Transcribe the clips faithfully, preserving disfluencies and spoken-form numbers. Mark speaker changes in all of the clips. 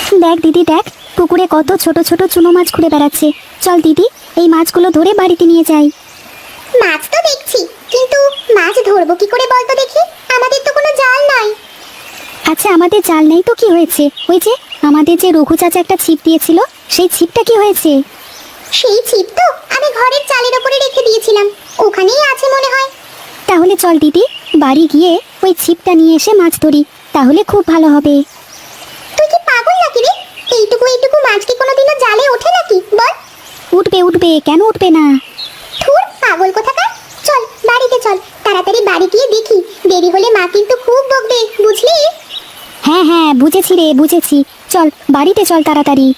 Speaker 1: দেখ দিদি দেখ, পুকুরে কত ছোট ছোট চুনো মাছ ঘুরে বেড়াচ্ছে। চল দিদি, এই মাছগুলো ধরে বাড়িতে নিয়ে যাই।
Speaker 2: মাছ তো দেখছি, কিন্তু মাছ ধরবো কি করে বলতো দেখি? আমাদের তো কোনো জাল নাই।
Speaker 1: আচ্ছা আমাদের জাল নেই তো কি হয়েছে? ওই যে আমাদের যে রঘু চাচা একটা ছিপ দিয়েছিল, সেই ছিপটা কি হয়েছে?
Speaker 2: সেই ছিপ তো আমি ঘরের চালের উপরে রেখে দিয়েছিলাম, ওখানেই আছে মনে হয়।
Speaker 1: তাহলে চল দিদি, বাড়ি গিয়ে ওই ছিপটা নিয়ে এসে মাছ ধরি, তাহলে খুব ভালো হবে।
Speaker 2: তুই কি পাগল নাকি রে? এইটুকু এইটুকু মাছ কি কোনোদিনও জালে ওঠে নাকি বল?
Speaker 1: উঠবে উঠবে, কেন উঠবে না?
Speaker 2: ধুর পাগল কোথাকার। চল বাড়িতে চল, তাড়াতাড়ি বাড়ি গিয়ে দেখি, দেরি হলে মা কিন্তু খুব বকবে, বুঝলি?
Speaker 1: হ্যাঁ হ্যাঁ বুঝেছি রে, বুঝেছি। চল বাড়িতে চল তাড়াতাড়ি।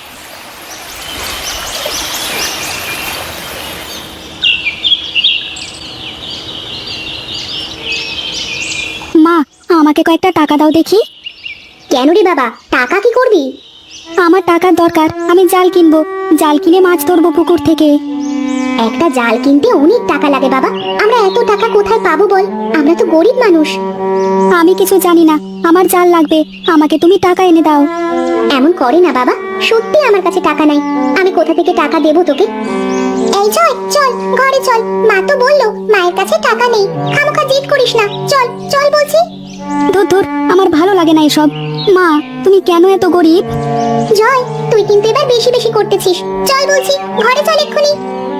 Speaker 1: মা, আমাকে কয়েকটা টাকা দাও দেখি।
Speaker 2: কেন রে বাবা, টাকা কি করবি?
Speaker 1: আমার টাকার দরকার, আমি জাল কিনবো, জাল কিনে মাছ ধরবো পুকুর থেকে।
Speaker 2: একটা জাল কিনতে অনেক টাকা লাগে বাবা, আমরা এত টাকা কোথায় পাবো বল? আমরা তো গরিব মানুষ।
Speaker 1: আমি কিছু জানি না, আমার জাল লাগবে, আমাকে তুমি টাকা এনে দাও।
Speaker 2: এমন করে না বাবা, সত্যি আমার কাছে টাকা নাই, আমি কোথা থেকে টাকা দেবো তোকে? এই চল চল ঘরে চল, মা তো বললো মায়ের কাছে টাকা নেই, খামোখা জিদ করিস না, চল চল বলছি।
Speaker 1: ধুর ধুর, আমার ভালো লাগে না এসব। মা, তুমি কেন এত গরিব?
Speaker 2: জয়, তুই কিন্তু এবার বেশি বেশি করতেছিস, চল বলছি, ঘরে চল এক্ষুনি।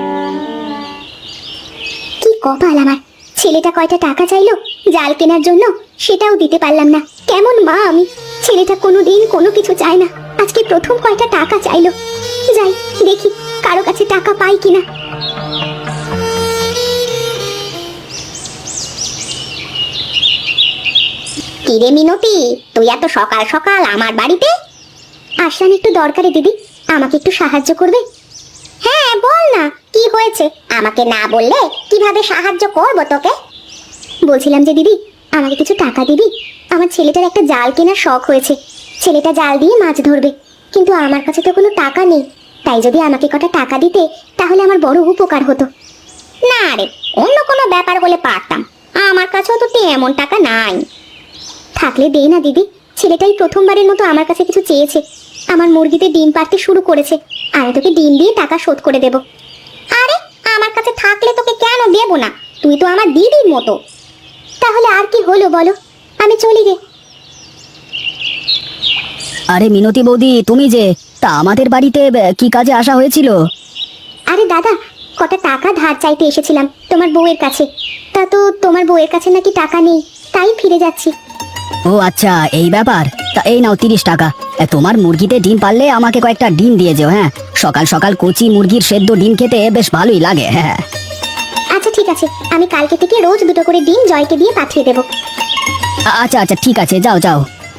Speaker 2: কি কপাল আমার, ছেলেটা কয়টা টাকা চাইলো জাল কেনার জন্য, সেটাও দিতে পারলাম না। কেমন মা আমি, ছেলেটা কোনোদিন কোনো কিছু চায় না, আজকে প্রথম কয়টা টাকা চাইলো। যাই দেখি কারো কাছে টাকা পাই কিনা। কিরে মিনতি, তুই এত সকাল সকাল আমার বাড়িতে? আসলাম একটু দরকারে দিদি, আমাকে একটু সাহায্য করবে? হ্যাঁ বল না, কি হয়েছে? আমাকে না বললে কিভাবে সাহায্য করব তোকে? বলছিলাম যে দিদি, আমাকে কিছু টাকা দিবি? আমার ছেলেটার একটা জাল কেনার শখ হয়েছে, ছেলেটা জাল দিয়ে মাছ ধরবে, কিন্তু আমার কাছে তো কোনো টাকা নেই, তাই যদি আমাকে কটা টাকা দিতে তাহলে আমার বড় উপকার হতো। না রে, অন্য কোনো ব্যাপার হলে পারতাম, আমার কাছেও তো তেমন টাকা নাই। থাকলে দে না দিদি, ছেলেটাই প্রথমবারের মতো আমার কাছে কিছু চেয়েছে, আমার মুরগিতে ডিম পাড়তে শুরু করেছে, আমি তোকে ডিম দিয়ে টাকা শোধ করে দেব। আরে আমার কাছে থাকলে তোকে কেন দেব না, তুই তো আমার দিদির মতো। তাহলে আর কি হলো বলো, আমি চলি রে।
Speaker 1: আরে মিনতি বৌদি, তুমি যে, তা আমাদের বাড়িতে কি কাজে আসা হয়েছিল?
Speaker 2: আরে দাদা, কটা টাকা ধার চাইতে এসেছিলাম তোমার বউয়ের কাছে, তা তো তোমার বউয়ের কাছে নাকি টাকা নেই, তাই ফিরে যাচ্ছি।
Speaker 1: ও আচ্ছা, এই ব্যাপার। তা এই নাও তিরিশ টাকা, এ, তোমার মুরগিতে ডিম পারলে আমাকে কয়েকটা ডিম দিয়ে যেও। হ্যাঁ, সকাল সকাল কচি মুরগির সেদ্ধ ডিম খেতে বেশ ভালোই লাগে। হ্যাঁ
Speaker 2: আচ্ছা ঠিক আছে, আমি কালকে থেকে রোজ দুটো করে ডিম জয়কে দিয়ে পাঠিয়ে দেবো।
Speaker 1: আ- আচ্ছা আচ্ছা ঠিক আছে, যাও যাও।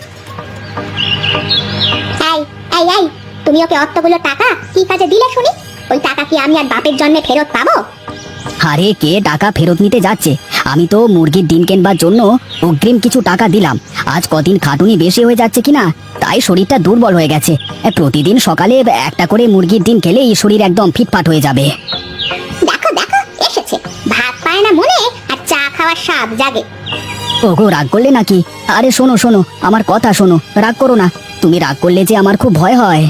Speaker 2: এই এই এই, তুমি ওকে অতগুলো টাকা কি কাজে দিলে শুনি? ওই টাকা কি আমি আর বাপের জন্মে ফেরত পাবো?
Speaker 1: আরে কে টাকা ফেরত নিতে যাচ্ছে? আমি তো মুরগির ডিম কেনবার জন্য অগ্রিম কিছু টাকা দিলাম। আজ কদিন খাটুনি বেশি হয়ে যাচ্ছে কিনা, তাই শরীরটা দুর্বল হয়ে গেছে। এ, প্রতিদিন সকালে একটা করে মুরগির ডিম খেলেই শরীর একদম ফিটফাট হয়ে যাবে।
Speaker 2: দেখো দেখো এসেছে, ভাত পায় না মনে আর চা খাওয়ার স্বাদ জাগে।
Speaker 1: ওগো, রাগ করলে নাকি? আরে শোনো শোনো, আমার কথা শোনো, রাগ করো না। তুমি রাগ করলে যে আমার খুব ভয় হয়।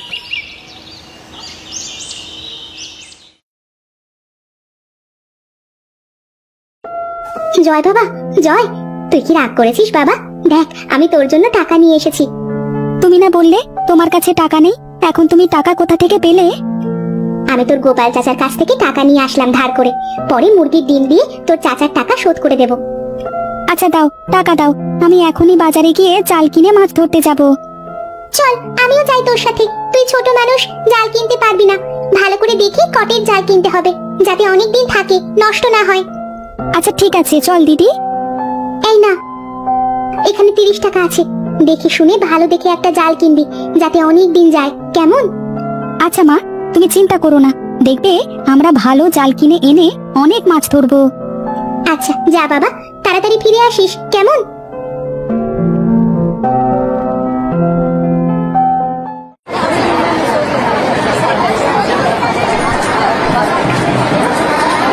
Speaker 2: জয় বাবা, জয়, তুই কি রাগ করেছিস বাবা? দেখ আমি তোর জন্য টাকা নিয়ে এসেছি।
Speaker 1: তুমি না বললে তোমার কাছে টাকা নেই, এখন তুমি টাকা কোথা থেকে পেলে?
Speaker 2: আমি তোর গোপাল চাচার কাছ থেকে টাকা নিয়ে আসলাম ধার করে, পরে মুরগির ডিম দিয়ে তোর চাচার টাকা শোধ করে দেব।
Speaker 1: আচ্ছা দাও, টাকা দাও, আমি এখনই বাজারে গিয়ে জাল কিনে মাছ ধরতে যাব।
Speaker 2: চল আমিও যাই তোর সাথে, তুই ছোট মানুষ, জাল কিনতে পারবি না, ভালো করে দেখে কটের জাল কিনতে হবে, যাতে অনেক দিন থাকে, নষ্ট না হয়।
Speaker 1: আচ্ছা ঠিক আছে, চল দিদি।
Speaker 2: এই না, এখানে তিরিশ টাকা আছে, দেখে শুনে ভালো দেখে একটা জাল কিনবি, যাতে অনেক দিন যায়, কেমন?
Speaker 1: আচ্ছা মা, তুমি চিন্তা করো না, দেখবে আমরা ভালো জাল কিনে এনে অনেক মাছ ধরবো।
Speaker 2: আচ্ছা যা বাবা, তাড়াতাড়ি ফিরে আসিস, কেমন?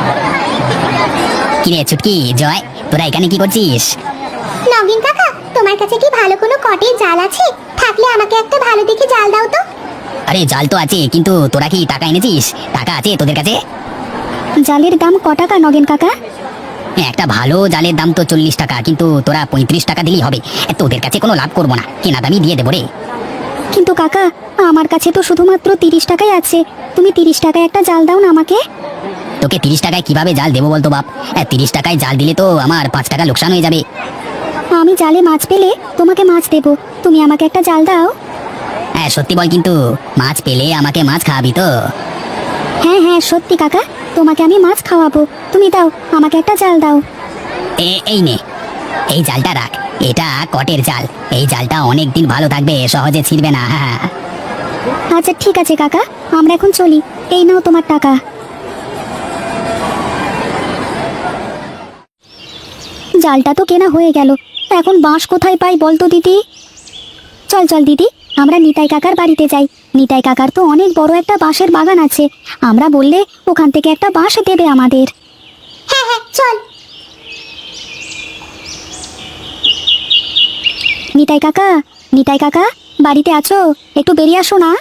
Speaker 1: কিরে ছুটকি, জয়, তোরা এখানে কি করছিস?
Speaker 2: নগিন কাকা, তোমার তোমার কাছে কি ভালো কোনো কটের জাল আছে? থাকলে আমাকে একটা ভালো দেখে জাল দাও তো।
Speaker 1: আরে জাল তো আছে, কিন্তু তোরা কি টাকা এনেছিস? টাকা আছে তোদের কাছে?
Speaker 3: জালের দাম ক টাকা নগেন কাকা?
Speaker 1: একটা ভালো জালের দাম তো চল্লিশ টাকা, কিন্তু তোরা পঁয়ত্রিশ টাকা দিলেই হবে। তোদের কাছে কোনো লাভ করবো না, কেনা দামই দিয়ে দেবো রে।
Speaker 3: কিন্তু কাকা, আমার কাছে তো শুধুমাত্র তিরিশ টাকাই আছে। তুমি তিরিশ টাকায় একটা জাল দাও না আমাকে।
Speaker 1: তোকে তিরিশ টাকায় কিভাবে জাল দেবো বলতো বাপ? তিরিশ টাকায় জাল দিলে তো আমার পাঁচ টাকা লোকসান হয়ে যাবে।
Speaker 3: আমি জালে মাছ পেলে তোমাকে মাছ দেবো, তুমি আমাকে একটা জাল দাও।
Speaker 1: হ্যাঁ সত্যি বল, কিন্তু মাছ পেলে আমাকে মাছ খাওয়াবি তো?
Speaker 3: হ্যাঁ হ্যাঁ সত্যি কাকা, তোমাকে আমি মাছ খাওয়াবো। তুমি দাও, আমাকে একটা জাল দাও।
Speaker 1: এ এই নে, এই জালটা রাখ। এটা কটের জাল, এই জালটা অনেক দিন ভালো থাকবে, সহজে ছিঁড়বে না। হ্যাঁ
Speaker 3: আচ্ছা ঠিক আছে কাকা, আমরা এখন চলি। এই নাও তোমার টাকা। জালটা তো কেনা হয়ে গেল, এখন বাঁশ কোথায় পাই বলতো দিদি? চল চল দিদি, আমরা নিতাই কাকার বাড়িতে যাই। নিতাই কাকার তো অনেক বড় একটা বাঁশের বাগান আছে, আমরা বললে ওখান থেকে একটা বাঁশ দেবে আমাদের।
Speaker 2: হ্যাঁ হ্যাঁ চল।
Speaker 3: নিতাই কাকা, নিতাই কাকা, বাড়িতে আছো? একটু বেরিয়ে আসো না।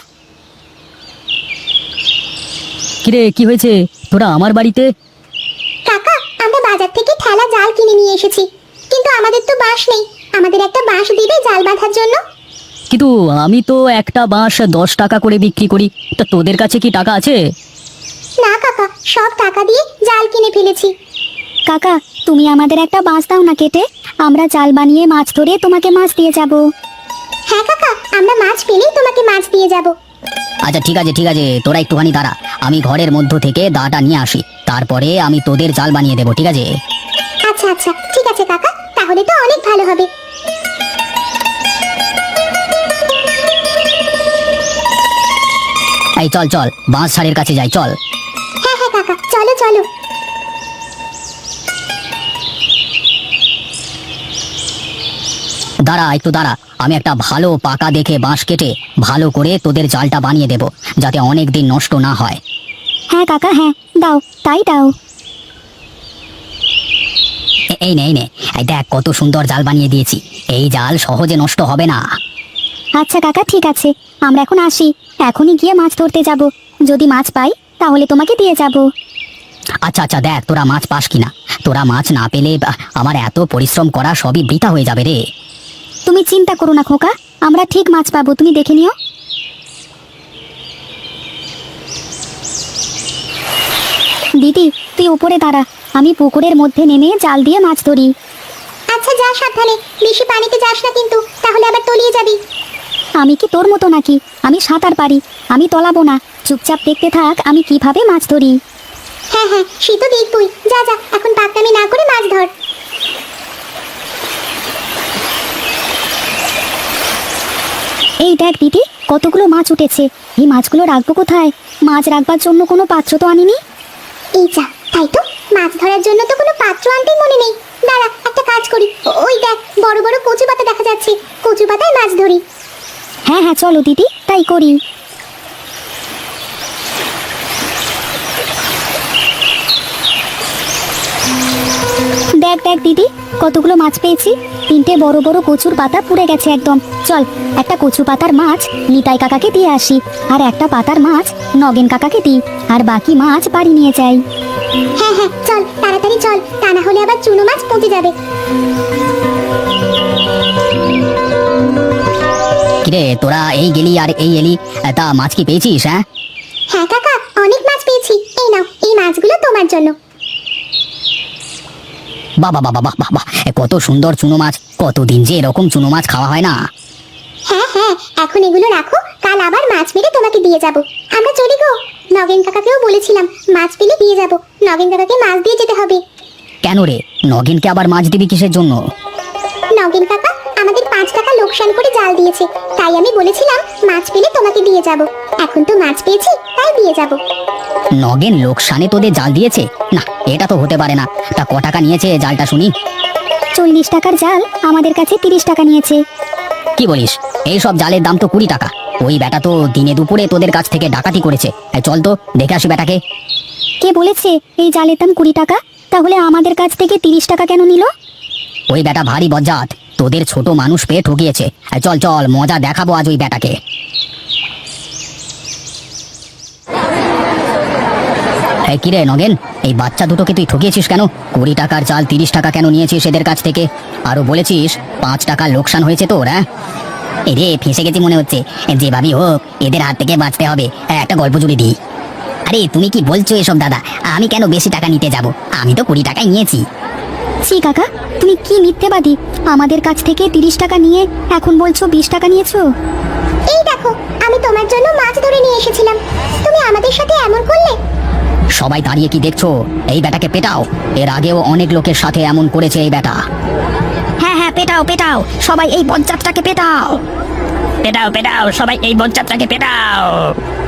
Speaker 1: কিরে, কি হয়েছে? তোরা আমার বাড়িতে?
Speaker 2: কাকা, আমরা বাজার থেকে ঠেলা জাল কিনে নিয়ে এসেছি, কিন্তু আমাদের তো বাঁশ নেই। আমাদের একটা বাঁশ দিবে জাল বাঁধার জন্য?
Speaker 1: কিন্তু আমি তো একটা বাঁশ দশ টাকা করে বিক্রি করি, তা তোদের কাছে কি টাকা আছে?
Speaker 2: না কাকা, সব টাকা দিয়ে জাল কিনে ফেলেছি।
Speaker 3: কাকা, তুমি আমাদের একটা বাঁশ দাও না কেটে, আমরা জাল বানিয়ে মাছ ধরে তোমাকে মাছ দিয়ে যাব।
Speaker 2: হ্যাঁ কাকা, আমরা মাছ পেলেই তোমাকে মাছ দিয়ে যাব।
Speaker 1: আচ্ছা ঠিক আছে ঠিক আছে, তোরা একটুখানি দাঁড়া, আমি ঘরের মধ্য থেকে দাটা নিয়ে আসি, তারপরে আমি তোদের জাল বানিয়ে দেবো, ঠিক আছে?
Speaker 2: আচ্ছা আচ্ছা ঠিক আছে কাকা, তাহলে তো অনেক ভালো হবে।
Speaker 1: এই চল চল, বাঁশ ছাড়ের কাছে যাই, চল।
Speaker 2: হ্যাঁ হ্যাঁ কাকা, চলো চলো।
Speaker 1: দাঁড়া একটু দাঁড়া, আমি একটা ভালো পাকা দেখে বাঁশ কেটে ভালো করে তোদের জালটা বানিয়ে দেব, যাতে অনেক দিন নষ্ট না হয়।
Speaker 3: হ্যাঁ কাকা, হ্যাঁ দাও, তাই দাও।
Speaker 1: এ- এই নে এই নে, এই দেখ কত সুন্দর জাল বানিয়ে দিয়েছি, এই জাল সহজে নষ্ট হবে না।
Speaker 3: আচ্ছা কাকা ঠিক আছে, আমরা এখন আসি। এখনই গিয়ে মাছ ধরতে যাব, যদি মাছ পাই তাহলে তোমাকে দিয়ে যাব।
Speaker 1: আচ্ছা আচ্ছা, দেখ তোরা মাছ পাস কিনা। তোরা মাছ না পেলে আহ, আমার এত পরিশ্রম করা সবই বৃথা হয়ে যাবে রে।
Speaker 3: তুমি চিন্তা করো না খোকা, আমরা ঠিক মাছ পাবো, তুমি দেখে নিও। দিদি, তুই উপরে দাঁড়া, আমি পুকুরের মধ্যে নেমে জাল দিয়ে মাছ ধরি।
Speaker 2: আচ্ছা যা সাবধানে, বেশি পানিতে যাস না কিন্তু, তাহলে আবার তলিয়ে যাবি।
Speaker 3: আমি কি তোর মতো নাকি? আমি সাঁতার পারি, আমি তলাবো না। চুপচাপ দেখতে থাক আমি কিভাবে মাছ ধরি।
Speaker 2: হ্যাঁ হ্যাঁ সে তো দেখবই, যা যা এখন পাকনামি না করে মাছ ধর।
Speaker 3: এই দেখ দিদি, কতগুলো মাছ উঠেছে। এই মাছগুলো রাখবো কোথায়? মাছ রাখবার জন্য কোনো পাত্র তো আনিনি।
Speaker 2: এই যা, তাই তো, মাছ ধরার জন্য তো কোনো পাত্র আনতে মনে নেই। দাঁড়া, একটা কাজ করি, ও- ওই দেখ বড় বড় কচু পাতা দেখা যাচ্ছে, কচু পাতায় মাছ ধরি।
Speaker 3: হ্যাঁ হ্যাঁ চলো দিদি, তাই করি। দেখ দেখ দিদি, কতগুলো মাছ পেয়েছি। তিনটে বড় বড় কচুর পাতা পুড়ে গেছে একদম। চল, একটা কচু পাতার মাছ নিতাই কাকাকে দিয়ে আসি, আর একটা পাতার মাছ নগেন কাকাকে দিই, আর বাকি মাছ বাড়ি নিয়ে যাই।
Speaker 2: হ্যাঁ হ্যাঁ চল, তাড়াতাড়ি চল, তা না হলে আবার চুনো মাছ পচে যাবে।
Speaker 1: কিরে, তোরা এই গেলি আর এই এলি, তা মাছ কি পেয়েছিস? হ্যাঁ
Speaker 2: হ্যাঁ কাকা, অনেক মাছ পেয়েছি। এই নাও, এই মাছগুলো তোমার জন্য।
Speaker 1: বাবা বাবা বাহ বাহ বাহ, কত সুন্দর চুনো মাছ, কতদিন যে এরকম চুনো মাছ খাওয়া হয় না।
Speaker 2: হ্যাঁ হ্যাঁ, এখন এগুলো রাখো, কাল আবার মাছ মেরে তোমাকে দিয়ে যাব। আমরা চলি গো। নগেন কাকাকেও বলেছিলাম মাছ পেলে দিয়ে যাব, নগেন কাকাকে মাছ দিয়ে যেতে হবে।
Speaker 1: কেন রে, নগেনকে আবার মাছ দিবি কিসের জন্য?
Speaker 2: নগেন কাকা আমাদের পাঁচ টাকা লোকসান করে জাল দিয়েছে, তাই আমি বলেছিলাম মাছ পেলে তোমাকে দিয়ে যাব। এখন তো মাছ পেয়েছি, তাই দিয়ে যাব।
Speaker 1: নগেন লোকসানে তোদের জাল দিয়েছে? না, এটা তো হতে পারে না। তা ক টাকা নিয়েছে জালটা শুনি?
Speaker 3: চল্লিশ টাকার জাল আমাদের কাছে তিরিশ টাকা নিয়েছে।
Speaker 1: কি বলিস? এই সব জালের দাম তো কুড়ি টাকা। ওই বেটা তো দিনে দুপুরে তোদের কাছ থেকে ডাকাতি করেছে। এই চল তো দেখে আসি বেটাকে।
Speaker 3: কে বলেছে এই জালের দাম কুড়ি টাকা? তাহলে আমাদের কাছ থেকে তিরিশ টাকা কেন নিল?
Speaker 1: ওই বেটা ভারী বজ্জাত, তোদের ছোট মানুষ পেয়ে ঠকিয়েছে। চল চল, মজা দেখাবো আজ ওই বেটাকে। এই কিরে নগেন, এই বাচ্চা দুটোকে তুই ঠকিয়েছিস কেন? কুড়ি টাকার চাল তিরিশ টাকা কেন নিয়েছিস এদের কাছ থেকে? আরো বলেছিস পাঁচ টাকার লোকসান হয়েছে তোর। হ্যাঁ এরে ফেঁসে গেছি মনে হচ্ছে, যেভাবেই হোক এদের হাত থেকে বাঁচতে হবে। একটা গল্প জুড়ে দিই। আরে তুমি কি বলছো এসব দাদা? আমি কেন বেশি টাকা নিতে যাব? আমি তো কুড়ি টাকাই নিয়েছি।
Speaker 3: ছি কাকা, তুমি কি মিথ্যেবাদী! আমাদের কাছ থেকে তিরিশ টাকা নিয়ে এখন বলছো বিশ টাকা নিয়েছো।
Speaker 2: এই দেখো, আমি তোমার জন্য মাছ ধরে নিয়ে এসেছিলাম, তুমি আমাদের সাথে এমন করলে।
Speaker 1: সবাই দাঁড়িয়ে কি দেখছো? এই বেটাকে পেটাও। এর আগেও অনেক লোকের সাথে এমন করেছে এই বেটা।
Speaker 3: হ্যাঁ হ্যাঁ, পেটাও পেটাও, সবাই এই বজ্জাতটাকে পেটাও।
Speaker 1: পেটাও পেটাও, সবাই এই বজ্জাতটাকে পেটাও।